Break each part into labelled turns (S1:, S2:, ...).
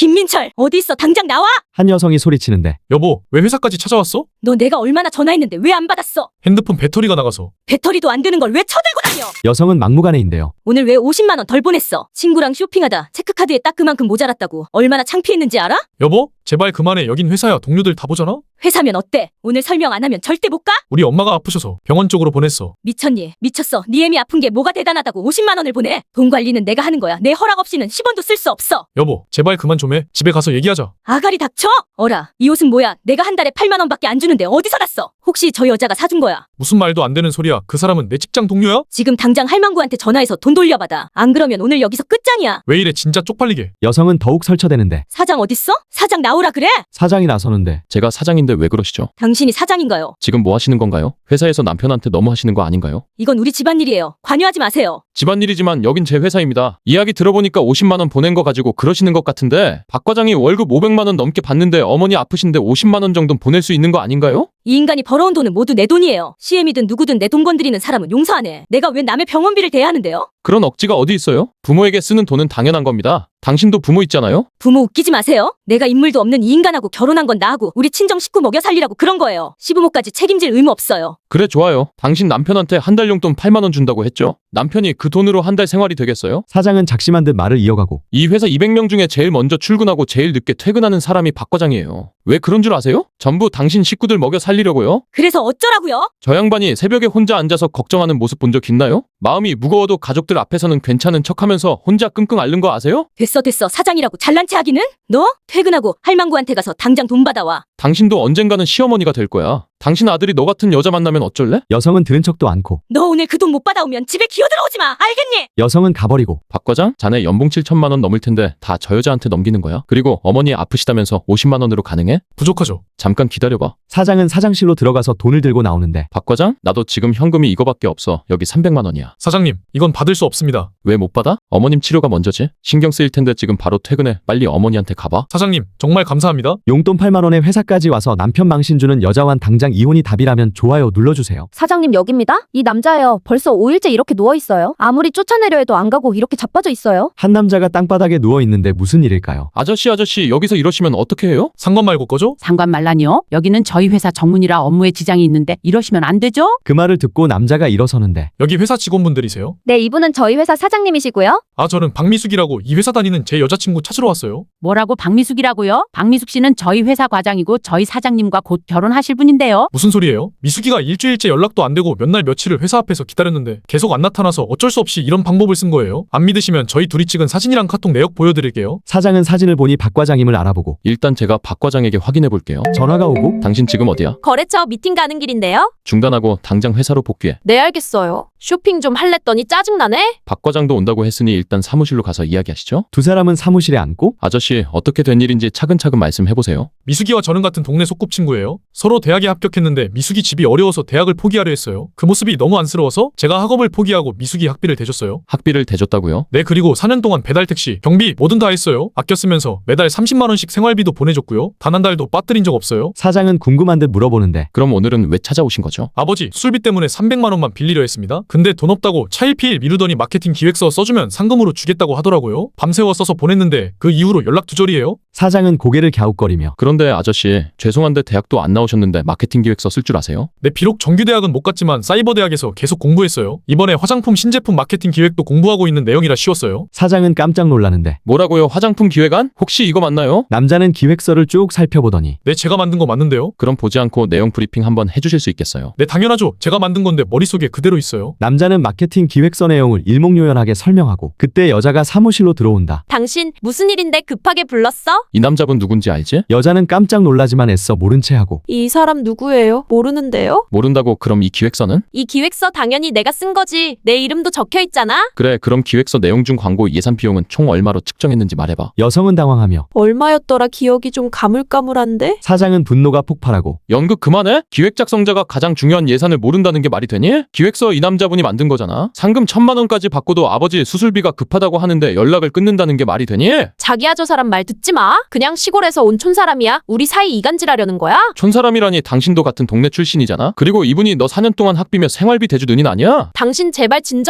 S1: 김민철, 어디 있어? 당장 나와!
S2: 한 여성이 소리치는데
S3: 여보, 왜 회사까지 찾아왔어?
S1: 너 내가 얼마나 전화했는데 왜 안 받았어?
S3: 핸드폰 배터리가 나가서.
S1: 배터리도 안 되는 걸 왜 쳐들고 다녀?
S2: 여성은 막무가내인데요.
S1: 오늘 왜 50만 원 덜 보냈어? 친구랑 쇼핑하다 체크카드에 딱 그만큼 모자랐다고. 얼마나 창피했는지 알아?
S3: 여보, 제발 그만해. 여긴 회사야. 동료들 다 보잖아?
S1: 회사면 어때? 오늘 설명 안 하면 절대 못 가?
S3: 우리 엄마가 아프셔서 병원 쪽으로 보냈어.
S1: 미쳤니? 미쳤어. 네 애미 아픈 게 뭐가 대단하다고 50만 원을 보내? 돈 관리는 내가 하는 거야. 내 허락 없이는 10원도 쓸 수 없어.
S3: 여보, 제발 그만 좀 해. 집에 가서 얘기하자.
S1: 아가리 닥쳐? 어라, 이 옷은 뭐야? 내가 한 달에 8만 원밖에 안 주는데 어디서 났어? 혹시 저 여자가 사준 거야?
S3: 무슨 말도 안 되는 소리야. 그 사람은 내 직장 동료야?
S1: 지금 당장 할망구한테 전화해서 돈 돌려받아. 안 그러면 오늘 여기서 끝장이야.
S3: 왜 이래 진짜 쪽팔리게.
S2: 여성은 더욱 설쳐대는데
S1: 사장 어딨어? 사장 나오라 그래?
S2: 사장이 나서는데
S4: 제가 사장인데 왜 그러시죠?
S1: 당신이 사장인가요?
S4: 지금 뭐 하시는 건가요? 회사에서 남편한테 너무 하시는 거 아닌가요?
S1: 이건 우리 집안일이에요. 관여하지 마세요.
S4: 집안일이지만 여긴 제 회사입니다. 이야기 들어보니까 50만 원 보낸 거 가지고 그러시는 것 같은데 박 과장이 월급 500만 원 넘게 받는데 어머니 아프신데 50만 원 정도는 보낼 수 있는 거 아닌가요?
S1: 이 인간이 벌어온 돈은 모두 내 돈이에요. CM이든 누구든 내 돈 건드리는 사람은 용서 안 해. 내가 왜 남의 병원비를 대야 하는데요?
S4: 그런 억지가 어디 있어요? 부모에게 쓰는 돈은 당연한 겁니다. 당신도 부모 있잖아요?
S1: 부모 웃기지 마세요. 내가 인물도 없는 이 인간하고 결혼한 건 나하고 우리 친정 식구 먹여 살리라고 그런 거예요. 시부모까지 책임질 의무 없어요.
S4: 그래 좋아요. 당신 남편한테 한 달 용돈 8만 원 준다고 했죠? 남편이 그 돈으로 한 달 생활이 되겠어요?
S2: 사장은 작심한 듯 말을 이어가고
S4: 이 회사 200명 중에 제일 먼저 출근하고 제일 늦게 퇴근하는 사람이 박 과장이에요. 왜 그런 줄 아세요? 전부 당신 식구들 먹여 살리려고요?
S1: 그래서 어쩌라고요?
S4: 저 양반이 새벽에 혼자 앉아서 걱정하는 모습 본 적 있나요? 마음이 무거워도 가족들 앞에서는 괜찮은 척하면서 혼자 끙끙 앓는 거 아세요?
S1: 됐어 사장이라고 잘난 체 하기는? 너? 퇴근하고 할망구한테 가서 당장 돈 받아와.
S4: 당신도 언젠가는 시어머니가 될 거야. 당신 아들이 너 같은 여자 만나면 어쩔래?
S2: 여성은 들은 척도 않고
S1: 너 오늘 그 돈 못 받아오면 집에 기어들어오지 마. 알겠니?
S2: 여성은 가버리고
S4: 박 과장, 자네 연봉 7천만 원 넘을 텐데 다 저 여자한테 넘기는 거야? 그리고 어머니 아프시다면서 50만 원으로 가능해?
S3: 부족하죠.
S4: 잠깐 기다려봐.
S2: 사장은 사장실로 들어가서 돈을 들고 나오는데
S4: 박 과장, 나도 지금 현금이 이거밖에 없어. 여기 300만 원이야.
S3: 사장님, 이건 받을 수 없습니다.
S4: 왜 못 받아? 어머님 치료가 먼저지. 신경 쓰일 텐데 지금 바로 퇴근해. 빨리 어머니한테 가봐.
S3: 사장님, 정말 감사합니다.
S2: 용돈 8만 원에 회사까지 와서 남편 망신 주는 여자와는 당장 이혼이 답이라면 좋아요 눌러주세요.
S5: 사장님 여기입니다. 이 남자예요. 벌써 5일째 이렇게 누워있어요. 아무리 쫓아내려 해도 안 가고 이렇게 자빠져 있어요.
S2: 한 남자가 땅바닥에 누워있는데 무슨 일일까요?
S4: 아저씨 여기서 이러시면 어떻게 해요?
S3: 상관 말고 꺼줘?
S6: 상관 말라니요? 여기는 저희 회사 정문이라 업무에 지장이 있는데 이러시면 안 되죠?
S2: 그 말을 듣고 남자가 일어서는데
S3: 여기 회사 직원분들이세요?
S5: 네, 이분은 저희 회사 사장님이시고요.
S3: 아, 저는 박미숙이라고 이 회사 다니는 제 여자친구 찾으러 왔어요.
S6: 뭐라고 박미숙이라고요? 박미숙 씨는 저희 회사 과장이고 저희 사장님과 곧 결혼하실 분인데요.
S3: 무슨 소리예요? 미숙이가 일주일째 연락도 안 되고 몇 날 며칠을 회사 앞에서 기다렸는데 계속 안 나타나서 어쩔 수 없이 이런 방법을 쓴 거예요. 안 믿으시면 저희 둘이 찍은 사진이랑 카톡 내역 보여드릴게요.
S2: 사장은 사진을 보니 박 과장임을 알아보고
S4: 일단 제가 박 과장에게 확인해 볼게요.
S2: 전화가 오고
S4: 당신 지금 어디야?
S7: 거래처 미팅 가는 길인데요.
S4: 중단하고 당장 회사로 복귀해.
S7: 네, 알겠어요. 쇼핑 좀 할랬더니 짜증나네.
S4: 박 과장도 온다고 했으니 일단 사무실로 가서 이야기하시죠.
S2: 두 사람은 사무실에 앉고
S4: 아저씨 어떻게 된 일인지 차근차근 말씀해 보세요.
S3: 미숙이와 저는 같은 동네 소꿉친구예요. 서로 대학에 합격했는데 미숙이 집이 어려워서 대학을 포기하려 했어요. 그 모습이 너무 안쓰러워서 제가 학업을 포기하고 미숙이 학비를 대줬어요.
S4: 학비를 대줬다고요?
S3: 네, 그리고 4년 동안 배달택시, 경비 뭐든 다 했어요. 아껴 쓰면서 매달 30만 원씩 생활비도 보내줬고요. 단 한 달도 빠뜨린 적 없어요.
S2: 사장은 궁금한 듯 물어보는데
S4: 그럼 오늘은 왜 찾아오신 거죠?
S3: 아버지, 술비 때문에 300만 원만 빌리려 했습니다. 근데 돈 없다고 차일피일 미루더니 마케팅 기획서 써주면 상금으로 주겠다고 하더라고요. 밤새워 써서 보냈는데 그 이후로 연락 두절이에요.
S2: 사장은 고개를 갸웃거리며
S4: 그런데 아저씨 죄송한데 대학도 안 나오셨는데 마케팅 기획서 쓸 줄 아세요?
S3: 네, 비록 정규대학은 못 갔지만 사이버대학에서 계속 공부했어요. 이번에 화장품 신제품 마케팅 기획도 공부하고 있는 내용이라 쉬웠어요.
S2: 사장은 깜짝 놀라는데
S4: 뭐라고요? 화장품 기획안? 혹시 이거 맞나요?
S2: 남자는 기획서를 쭉 살펴보더니
S3: 네, 제가 만든 거 맞는데요?
S4: 그럼 보지 않고 내용 브리핑 한번 해주실 수 있겠어요?
S3: 네, 당연하죠. 제가 만든 건데 머릿속에 그대로 있어요.
S2: 남자는 마케팅 기획서 내용을 일목요연하게 설명하고 그때 여자가 사무실로 들어온다.
S7: 당신 무슨 일인데 급하게 불렀어?
S4: 이 남자분 누군지 알지?
S2: 여자는 깜짝 놀라지만 애써 모른 채 하고
S7: 이 사람 누구예요? 모르는데요?
S4: 모른다고 그럼 이 기획서는?
S7: 이 기획서 당연히 내가 쓴 거지. 내 이름도 적혀 있잖아.
S4: 그래 그럼 기획서 내용 중 광고 예산 비용은 총 얼마로 측정했는지 말해봐.
S2: 여성은 당황하며
S7: 얼마였더라? 기억이 좀 가물가물한데?
S2: 사장은 분노가 폭발하고
S4: 연극 그만해? 기획 작성자가 가장 중요한 예산을 모른다는 게 말이 되니? 기획서 이 남자분이 만든 거잖아. 상금 1,000만 원까지 받고도 아버지 수술비가 급하다고 하는데 연락을 끊는다는 게 말이 되니?
S7: 자기야, 저 사람 말 듣지 마. 그냥 시골에서 온 촌사람이야. 우리 사이 이간질하려는 거야?
S4: 촌사람이라니 당신도 같은 동네 출신이잖아. 그리고 이분이 너 4년 동안 학비며 생활비 대주 누님 아니야?
S7: 당신 제발 진정해.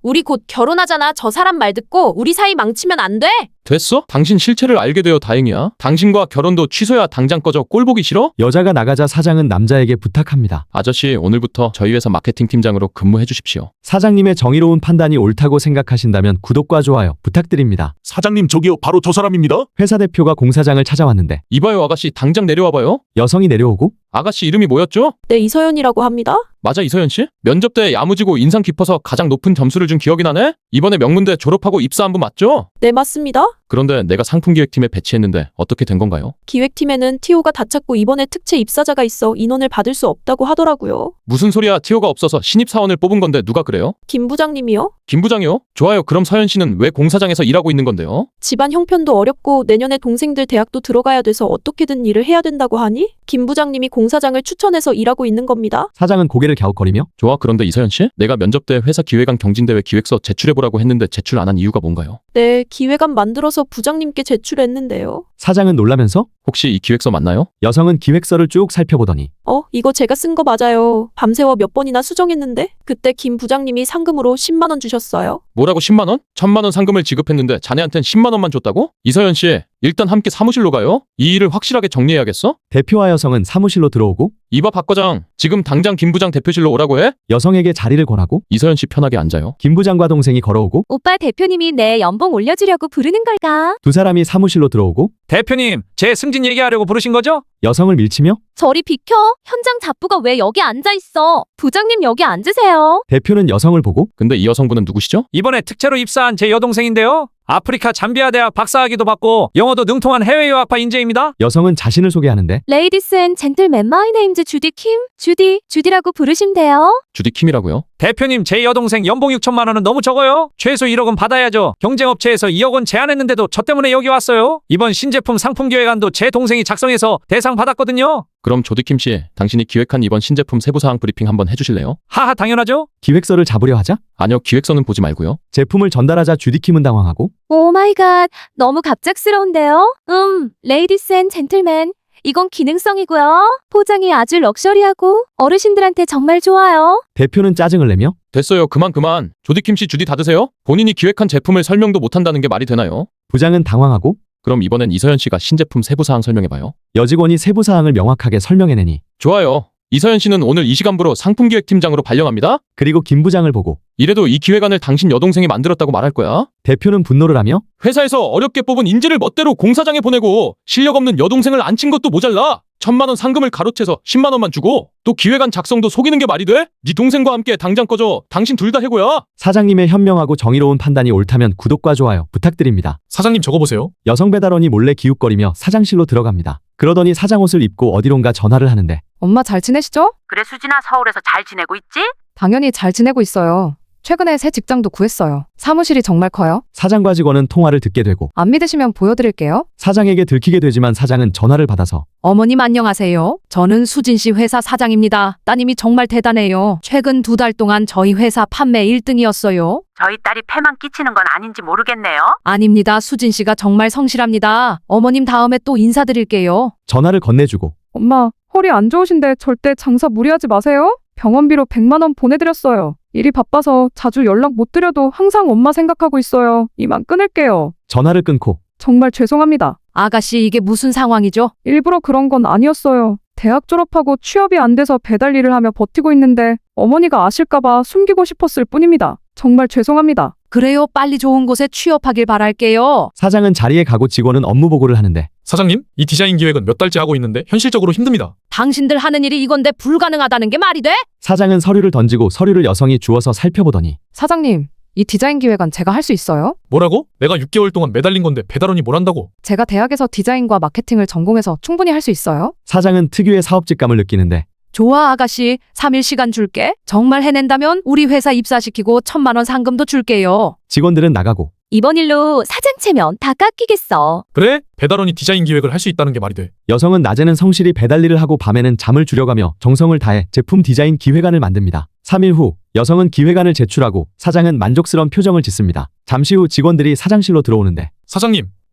S7: 우리 곧 결혼하잖아. 저 사람 말 듣고 우리 사이 망치면 안 돼.
S4: 됐어? 당신 실체를 알게 되어 다행이야. 당신과 결혼도 취소야. 당장 꺼져. 꼴 보기 싫어?
S2: 여자가 나가자 사장은 남자에게 부탁합니다.
S4: 아저씨, 오늘부터 저희 회사 마케팅 팀장으로 근무해 주십시오.
S2: 사장님의 정의로운 판단이 옳다고 생각하신다면 구독과 좋아요 부탁드립니다.
S8: 사장님, 저기요, 바로 저 사람입니다.
S2: 회사 대표가 공사장을 찾아왔는데
S4: 이봐요, 아가씨, 당장 내려와봐요.
S2: 여성이 내려오고
S4: 아가씨 이름이 뭐였죠?
S7: 네, 이서연이라고 합니다.
S4: 맞아, 이서연 씨? 면접 때 야무지고 인상 깊어서 가장 높은 점수를 준 기억이 나네? 이번에 명문대 졸업하고 입사한 분 맞죠?
S7: 네, 맞습니다.
S4: 그런데 내가 상품기획팀에 배치했는데 어떻게 된 건가요?
S7: 기획팀에는 TO가 다 찼고 이번에 특채 입사자가 있어 인원을 받을 수 없다고 하더라고요.
S4: 무슨 소리야, 티오가 없어서 신입사원을 뽑은 건데 누가 그래요?
S7: 김 부장님이요?
S4: 김 부장이요? 좋아요. 그럼 서연 씨는 왜 공사장에서 일하고 있는 건데요?
S7: 집안 형편도 어렵고 내년에 동생들 대학도 들어가야 돼서 어떻게든 일을 해야 된다고 하니 김 부장님이 공사장을 추천해서 일하고 있는 겁니다.
S2: 사장은 고개를 갸웃거리며
S4: 좋아, 그런데 이서연 씨? 내가 면접 때 회사 기획안 경진대회 기획서 제출해보라고 했는데 제출 안 한 이유가 뭔가요?
S7: 네, 기획안 만들어서 부장님께 제출했는데요.
S2: 사장은 놀라면서
S4: 혹시 이 기획서 맞나요?
S2: 여성은 기획서를 쭉 살펴보더니
S7: 이거 제가 쓴 거 맞아요. 밤새워 몇 번이나 수정했는데 그때 김 부장님이 상금으로 10만 원 주셨어요.
S4: 뭐라고 10만 원? 1000만 원 상금을 지급했는데 자네한텐 10만 원만 줬다고? 이서연 씨, 일단 함께 사무실로 가요. 이 일을 확실하게 정리해야겠어?
S2: 대표와 여성은 사무실로 들어오고
S4: 이봐 박 과장, 지금 당장 김 부장 대표실로 오라고 해?
S2: 여성에게 자리를 권하고
S4: 이서연 씨 편하게 앉아요.
S2: 김 부장과 동생이 걸어오고
S1: 오빠 대표님이 내 연봉 올려주려고 부르는 걸까?
S2: 두 사람이 사무실로 들어오고
S9: 대표님, 제 승진 얘기하려고 부르신 거죠?
S2: 여성을 밀치며
S1: 저리 비켜. 현장 잡부가 왜 여기 앉아있어? 부장님 여기 앉으세요.
S2: 대표는 여성을 보고
S4: 근데 이 여성분은 누구시죠?
S9: 이번에 특채로 입사한 제 여동생인데요. 아프리카 잠비아 대학 박사학위도 받고 영어도 능통한 해외 유학파 인재입니다.
S2: 여성은 자신을 소개하는데
S1: Ladies and gentlemen, my name's 주디 킴. 주디라고 부르시면 돼요.
S4: 주디 킴이라고요?
S9: 대표님, 제 여동생 연봉 6천만 원은 너무 적어요. 최소 1억은 받아야죠. 경쟁업체에서 2억 원 제안했는데도 저 때문에 여기 왔어요. 이번 신제품 상품 기획안도 제 동생이 작성해서 대상 받았거든요.
S4: 그럼 조디킴 씨, 당신이 기획한 이번 신제품 세부사항 브리핑 한번 해주실래요?
S9: 하하, 당연하죠.
S2: 기획서를 잡으려 하자
S4: 아니요, 기획서는 보지 말고요.
S2: 제품을 전달하자 주디킴은 당황하고
S1: 오 마이 갓. 너무 갑작스러운데요? Ladies and gentlemen. 이건 기능성이고요. 포장이 아주 럭셔리하고 어르신들한테 정말 좋아요.
S2: 대표는 짜증을 내며
S4: 됐어요, 그만. 조디킴 씨 주디 다 드세요? 본인이 기획한 제품을 설명도 못한다는 게 말이 되나요?
S2: 부장은 당황하고
S4: 그럼 이번엔 이서연 씨가 신제품 세부사항 설명해봐요.
S2: 여직원이 세부사항을 명확하게 설명해내니
S4: 좋아요. 이서연 씨는 오늘 이 시간부로 상품기획팀장으로 발령합니다.
S2: 그리고 김 부장을 보고
S4: 이래도 이 기획안을 당신 여동생이 만들었다고 말할 거야.
S2: 대표는 분노를 하며
S4: 회사에서 어렵게 뽑은 인재를 멋대로 공사장에 보내고 실력 없는 여동생을 앉힌 것도 모자라 1000만 원 상금을 가로채서 10만 원만 주고 또 기획안 작성도 속이는 게 말이 돼? 네 동생과 함께 당장 꺼져. 당신 둘 다 해고야.
S2: 사장님의 현명하고 정의로운 판단이 옳다면 구독과 좋아요 부탁드립니다.
S3: 사장님 저거 보세요.
S2: 여성 배달원이 몰래 기웃거리며 사장실로 들어갑니다. 그러더니 사장 옷을 입고 어디론가 전화를 하는데
S10: 엄마 잘 지내시죠?
S6: 그래, 수진아, 서울에서 잘 지내고 있지?
S10: 당연히 잘 지내고 있어요. 최근에 새 직장도 구했어요. 사무실이 정말 커요.
S2: 사장과 직원은 통화를 듣게 되고
S10: 안 믿으시면 보여드릴게요.
S2: 사장에게 들키게 되지만 사장은 전화를 받아서
S10: 어머님 안녕하세요. 저는 수진 씨 회사 사장입니다. 따님이 정말 대단해요. 최근 2달 동안 저희 회사 판매 1등이었어요.
S6: 저희 딸이 패만 끼치는 건 아닌지 모르겠네요.
S10: 아닙니다. 수진 씨가 정말 성실합니다. 어머님 다음에 또 인사드릴게요.
S2: 전화를 건네주고
S10: 엄마, 허리 안 좋으신데 절대 장사 무리하지 마세요. 병원비로 100만 원 보내드렸어요. 일이 바빠서 자주 연락 못 드려도 항상 엄마 생각하고 있어요. 이만 끊을게요.
S2: 전화를 끊고
S10: 정말 죄송합니다. 아가씨, 이게 무슨 상황이죠? 일부러 그런 건 아니었어요. 대학 졸업하고 취업이 안 돼서 배달 일을 하며 버티고 있는데 어머니가 아실까봐 숨기고 싶었을 뿐입니다. 정말 죄송합니다. 그래요. 빨리 좋은 곳에 취업하길 바랄게요.
S2: 사장은 자리에 가고 직원은 업무 보고를 하는데
S3: 사장님, 이 디자인 기획은 몇 달째 하고 있는데 현실적으로 힘듭니다.
S10: 당신들 하는 일이 이건데 불가능하다는 게 말이 돼?
S2: 사장은 서류를 던지고 서류를 여성이 주워서 살펴보더니
S10: 사장님, 이 디자인 기획안 제가 할 수 있어요?
S3: 뭐라고? 내가 6개월 동안 매달린 건데 배달원이 뭘 한다고?
S10: 제가 대학에서 디자인과 마케팅을 전공해서 충분히 할 수 있어요?
S2: 사장은 특유의 사업직감을 느끼는데
S10: 좋아, 아가씨. 3일 시간 줄게. 정말 해낸다면 우리 회사 입사시키고 1000만 원 상금도 줄게요.
S2: 직원들은 나가고
S1: 이번 일로 사장 체면 다 깎이겠어.
S3: 그래? 배달원이 디자인 기획을 할 수 있다는 게 말이 돼.
S2: 여성은 낮에는 성실히 배달 일을 하고 밤에는 잠을 줄여가며 정성을 다해 제품 디자인 기획안을 만듭니다. 3일 후 여성은 기획안을 제출하고 사장은 만족스러운 표정을 짓습니다. 잠시 후 직원들이 사장실로 들어오는데
S3: 사장님,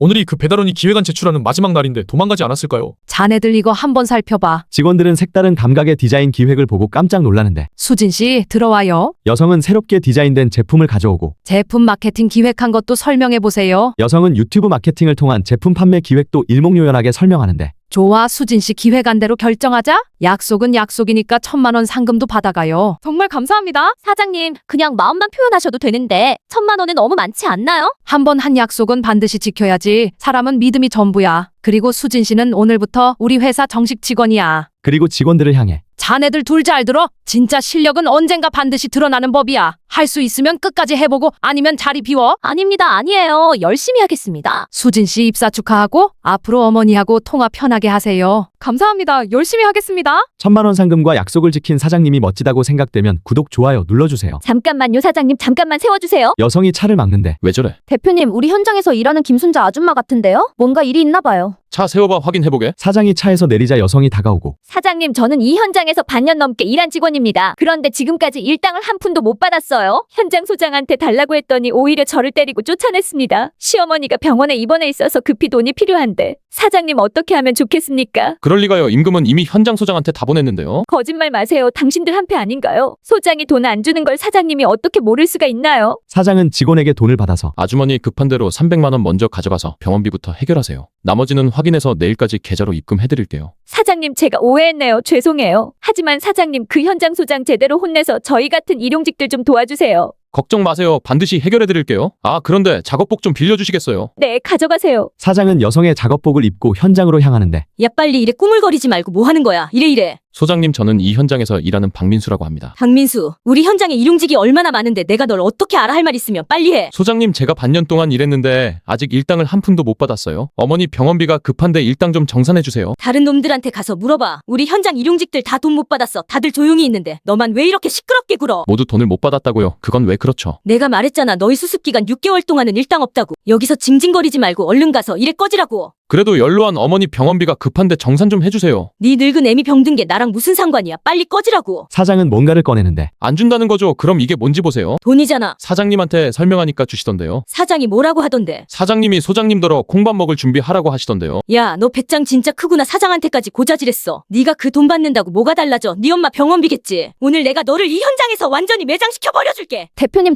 S3: 오늘이 그 배달원이 기획안 제출하는 마지막 날인데 도망가지 않았을까요?
S6: 자네들 이거 한번 살펴봐.
S2: 직원들은 색다른 감각의 디자인 기획을 보고 깜짝 놀라는데
S6: 수진 씨 들어와요.
S2: 여성은 새롭게 디자인된 제품을 가져오고
S6: 제품 마케팅 기획한 것도 설명해 보세요.
S2: 여성은 유튜브 마케팅을 통한 제품 판매 기획도 일목요연하게 설명하는데
S6: 좋아, 수진 씨 기획안대로 결정하자. 약속은 약속이니까 1,000만 원 상금도 받아가요.
S10: 정말 감사합니다.
S1: 사장님, 그냥 마음만 표현하셔도 되는데 1,000만 원은 너무 많지 않나요?
S6: 한 번 한 약속은 반드시 지켜야지. 사람은 믿음이 전부야. 그리고 수진 씨는 오늘부터 우리 회사 정식 직원이야.
S2: 그리고 직원들을 향해
S6: 자네들 둘 잘 들어. 진짜 실력은 언젠가 반드시 드러나는 법이야. 할 수 있으면 끝까지 해보고 아니면 자리 비워.
S1: 아닙니다. 아니에요. 열심히 하겠습니다.
S6: 수진 씨 입사 축하하고 앞으로 어머니하고 통화 편하게 하세요.
S10: 감사합니다. 열심히 하겠습니다.
S2: 1,000만 원 상금과 약속을 지킨 사장님이 멋지다고 생각되면 구독, 좋아요 눌러주세요.
S1: 잠깐만요, 사장님. 잠깐만 세워주세요.
S2: 여성이 차를 막는데
S4: 왜 저래?
S5: 대표님, 우리 현장에서 일하는 김순자 아줌마 같은데요? 뭔가 일이 있나 봐요.
S4: 차 세워봐 확인해보게.
S2: 사장이 차에서 내리자 여성이 다가오고
S1: 사장님, 저는 이 현장에서 반년 넘게 일한 직원입니다. 그런데 지금까지 일당을 한 푼도 못 받았어요. 현장 소장한테 달라고 했더니 오히려 저를 때리고 쫓아냈습니다. 시어머니가 병원에 입원해 있어서 급히 돈이 필요한데 사장님 어떻게 하면 좋겠습니까?
S4: 그럴 리가요. 임금은 이미 현장 소장한테 다 보냈는데요.
S1: 거짓말 마세요. 당신들 한패 아닌가요? 소장이 돈 안 주는 걸 사장님이 어떻게 모를 수가 있나요?
S2: 사장은 직원에게 돈을 받아서
S4: 아주머니 급한 대로 300만 원 먼저 가져가서 병원비부터 해결하세요. 나머지는 확인해서 내일까지 계좌로 입금해드릴게요.
S1: 사장님, 제가 오해했네요. 죄송해요. 하지만 사장님, 그 현장 소장 제대로 혼내서 저희 같은 일용직들 좀 도와주세요.
S4: 걱정 마세요. 반드시 해결해드릴게요. 아, 그런데 작업복 좀 빌려주시겠어요?
S1: 네, 가져가세요.
S2: 사장은 여성의 작업복을 입고 현장으로 향하는데
S1: 야, 빨리 이래 꾸물거리지 말고 뭐 하는 거야? 이래.
S4: 소장님, 저는 이 현장에서 일하는 박민수라고 합니다.
S1: 박민수, 우리 현장에 일용직이 얼마나 많은데 내가 널 어떻게 알아? 할 말 있으면 빨리 해.
S4: 소장님, 제가 반년 동안 일했는데 아직 일당을 한 푼도 못 받았어요. 어머니 병원비가 급한데 일당 좀 정산해주세요.
S1: 다른 놈들한테 가서 물어봐. 우리 현장 일용직들 다 돈 못 받았어. 다들 조용히 있는데 너만 왜 이렇게 시끄럽게 굴어?
S4: 모두 돈을 못 받았다고요. 그건 왜 그렇죠?
S1: 내가 말했잖아. 너희 수습기간 6개월 동안은 일당 없다고. 여기서 징징거리지 말고 얼른 가서 일에 꺼지라고.
S4: 그래도 연로한 어머니 병원비가 급한데 정산 좀 해주세요.
S1: 네 늙은 애미 병든 게 나랑 무슨 상관이야. 빨리 꺼지라고.
S2: 사장은 뭔가를 꺼내는데
S4: 안 준다는 거죠? 그럼 이게 뭔지 보세요.
S1: 돈이잖아.
S4: 사장님한테 설명하니까 주시던데요.
S1: 사장이 뭐라고 하던데.
S4: 사장님이 소장님더러 콩밥 먹을 준비하라고 하시던데요.
S1: 야, 너 배짱 진짜 크구나. 사장한테까지 고자질했어. 네가 그 돈 받는다고 뭐가 달라져. 네 엄마 병원비겠지. 오늘 내가 너를 이 현장에서 완전히 매장시켜 버려줄게.
S5: 대표님.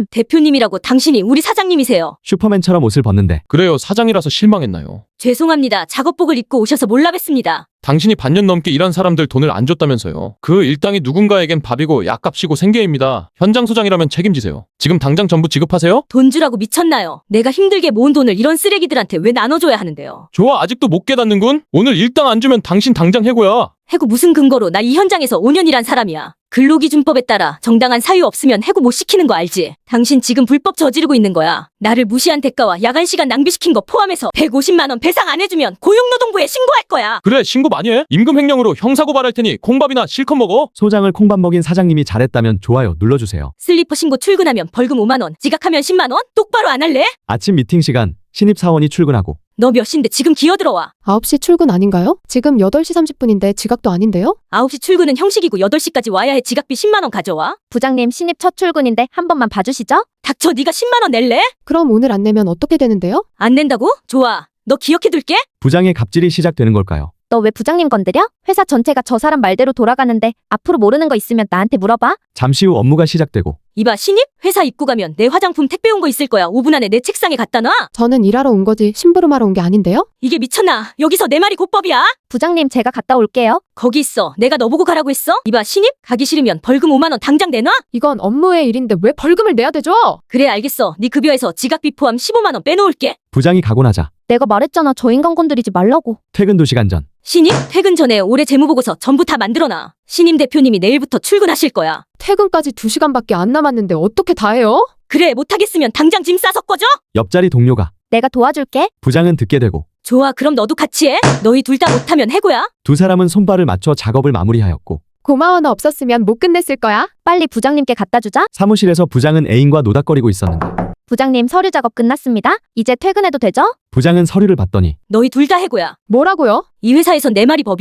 S1: 대표님이라고 당신이 우리 사장님이세요.
S2: 슈퍼맨처럼 옷을 벗는데
S4: 그래요. 사장이라서 실망했나요?
S1: 죄송합니다. 작업복을 입고 오셔서 몰라 뵀습니다.
S4: 당신이 반년 넘게 일한 사람들 돈을 안 줬다면서요. 그 일당이 누군가에겐 밥이고 약값이고 생계입니다. 현장 소장이라면 책임지세요. 지금 당장 전부 지급하세요?
S1: 돈 주라고 미쳤나요? 내가 힘들게 모은 돈을 이런 쓰레기들한테 왜 나눠줘야 하는데요?
S4: 좋아, 아직도 못 깨닫는군? 오늘 일당 안 주면 당신 당장 해고야.
S1: 해고 무슨 근거로? 나 이 현장에서 5년 일한 사람이야. 근로기준법에 따라 정당한 사유 없으면 해고 못 시키는 거 알지? 당신 지금 불법 저지르고 있는 거야. 나를 무시한 대가와 야간 시간 낭비시킨 거 포함해서 150만 원 배상 안 해주면 고용노동부에 신고할 거야.
S4: 그래, 신고 많이 해. 임금 횡령으로 형사고발할 테니 콩밥이나 실컷 먹어.
S2: 소장을 콩밥 먹인 사장님이 잘했다면 좋아요 눌러주세요.
S1: 슬리퍼 신고 출근하면 벌금 5만 원, 지각하면 10만 원? 똑바로 안 할래?
S2: 아침 미팅 시간 신입사원이 출근하고
S1: 너 몇 시인데 지금 기어들어와.
S11: 9시 출근 아닌가요? 지금 8시 30분인데 지각도 아닌데요?
S1: 9시 출근은 형식이고 8시까지 와야 해. 지각비 10만 원 가져와.
S5: 부장님, 신입 첫 출근인데 한 번만 봐주시죠?
S1: 닥쳐. 네가 10만 원 낼래?
S11: 그럼 오늘 안 내면 어떻게 되는데요?
S1: 안 낸다고? 좋아. 너 기억해둘게.
S2: 부장의 갑질이 시작되는 걸까요?
S5: 너 왜 부장님 건드려? 회사 전체가 저 사람 말대로 돌아가는데 앞으로 모르는 거 있으면 나한테 물어봐.
S2: 잠시 후 업무가 시작되고
S1: 이봐, 신입? 회사 입고 가면 내 화장품 택배 온 거 있을 거야. 5분 안에 내 책상에 갖다 놔.
S11: 저는 일하러 온 거지 심부름하러 온 게 아닌데요?
S1: 이게 미쳤나? 여기서 내 말이 곧법이야?
S5: 부장님, 제가 갔다 올게요.
S1: 거기 있어. 내가 너 보고 가라고 했어? 이봐, 신입? 가기 싫으면 벌금 5만 원 당장 내놔?
S11: 이건 업무의 일인데 왜 벌금을 내야 되죠?
S1: 그래, 알겠어. 네 급여에서 지각비 포함 15만 원 빼놓을게.
S2: 부장이 가고 나자
S5: 내가 말했잖아. 저 인간 건드리지 말라고.
S2: 퇴근 2시간 전
S1: 신입? 퇴근 전에 올해 재무보고서 전부 다 만들어놔. 신임 대표님이 내일부터 출근하실 거야.
S11: 퇴근까지 2시간밖에 안 남았는데 어떻게 다 해요?
S1: 그래, 못하겠으면 당장 짐 싸서 꺼져?
S2: 옆자리 동료가
S5: 내가 도와줄게.
S2: 부장은 듣게 되고
S1: 좋아, 그럼 너도 같이 해. 너희 둘 다 못하면 해고야.
S2: 두 사람은 손발을 맞춰 작업을 마무리하였고
S11: 고마워, 너 없었으면 못 끝냈을 거야.
S5: 빨리 부장님께 갖다 주자.
S2: 사무실에서 부장은 애인과 노닥거리고 있었는데
S5: 부장님, 서류 작업 끝났습니다. 이제 퇴근해도 되죠?
S2: 부장은 서류를 봤더니
S1: 너희 둘 다 해고야.
S11: 뭐라고요?
S1: 이 회사에선 내 말이 법이야.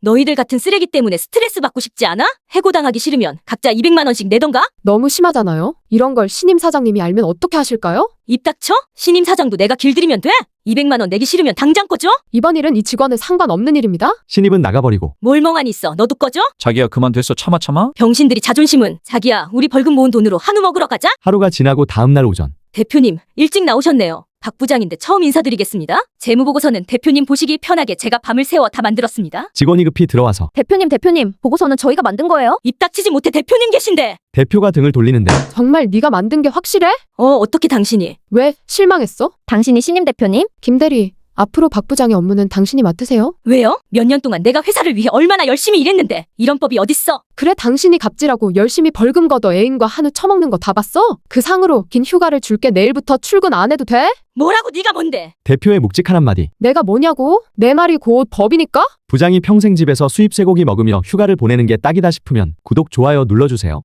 S1: 너희들 같은 쓰레기 때문에 스트레스 받고 싶지 않아? 해고당하기 싫으면 각자 200만 원씩 내던가?
S11: 너무 심하잖아요. 이런 걸 신임 사장님이 알면 어떻게 하실까요?
S1: 입 닥쳐? 신임 사장도 내가 길들이면 돼? 200만 원 내기 싫으면 당장 꺼져?
S11: 이번 일은 이 직원은 상관없는 일입니다.
S2: 신입은 나가버리고
S1: 뭘 멍하니 있어. 너도 꺼져?
S9: 자기야 그만 됐어 참아.
S1: 병신들이 자존심은. 자기야, 우리 벌금 모은 돈으로 한우 먹으러 가자.
S2: 하루가 지나고 다음날 오전
S1: 대표님, 일찍 나오셨네요. 박 부장인데 처음 인사드리겠습니다. 재무보고서는 대표님 보시기 편하게 제가 밤을 새워 다 만들었습니다.
S2: 직원이 급히 들어와서
S5: 대표님, 보고서는 저희가 만든 거예요?
S1: 입 닥치지 못해 대표님 계신데.
S2: 대표가 등을 돌리는데
S11: 정말 네가 만든 게 확실해?
S1: 어떻게 당신이?
S11: 왜? 실망했어?
S5: 당신이 신임 대표님?
S11: 김대리, 앞으로 박 부장의 업무는 당신이 맡으세요.
S1: 왜요? 몇 년 동안 내가 회사를 위해 얼마나 열심히 일했는데 이런 법이 어딨어?
S11: 그래, 당신이 갑질하고 열심히 벌금 걷어 애인과 한우 처먹는 거 다 봤어? 그 상으로 긴 휴가를 줄게. 내일부터 출근 안 해도 돼?
S1: 뭐라고 네가 뭔데?
S2: 대표의 묵직한 한마디.
S11: 내가 뭐냐고? 내 말이 곧 법이니까?
S2: 부장이 평생 집에서 수입 쇠고기 먹으며 휴가를 보내는 게 딱이다 싶으면 구독, 좋아요 눌러주세요.